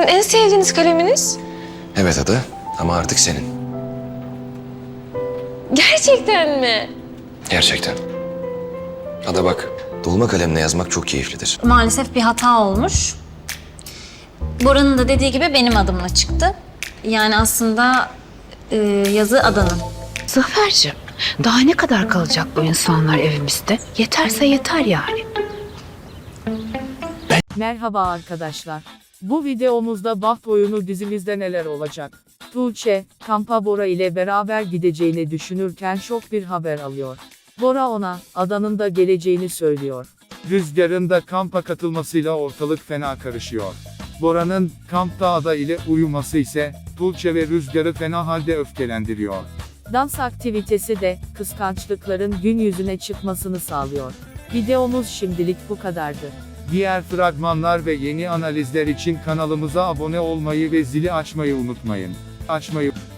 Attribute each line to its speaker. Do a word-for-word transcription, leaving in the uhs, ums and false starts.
Speaker 1: sizin en sevdiğiniz kaleminiz?
Speaker 2: Evet Ada ama artık senin.
Speaker 1: Gerçekten mi?
Speaker 2: Gerçekten. Ada bak, dolma kalemle yazmak çok keyiflidir.
Speaker 3: Maalesef bir hata olmuş. Bora'nın da dediği gibi benim adımla çıktı. Yani aslında e, yazı Adan'ın.
Speaker 4: Zafer'cim, daha ne kadar kalacak bu insanlar evimizde? Yeterse yeter yani.
Speaker 5: Merhaba arkadaşlar. Bu videomuzda Baht Oyunu dizimizde neler olacak? Tuğçe, kampa Bora ile beraber gideceğini düşünürken şok bir haber alıyor. Bora ona, Adan'ın da geleceğini söylüyor.
Speaker 6: Rüzgar'ın da kampa katılmasıyla ortalık fena karışıyor. Bora'nın kampta Ada ile uyuması ise Tuğçe ve Rüzgar'ı fena halde öfkelendiriyor.
Speaker 5: Dans aktivitesi de kıskançlıkların gün yüzüne çıkmasını sağlıyor. Videomuz şimdilik bu kadardı.
Speaker 6: Diğer fragmanlar ve yeni analizler için kanalımıza abone olmayı ve zili açmayı unutmayın. Açmayı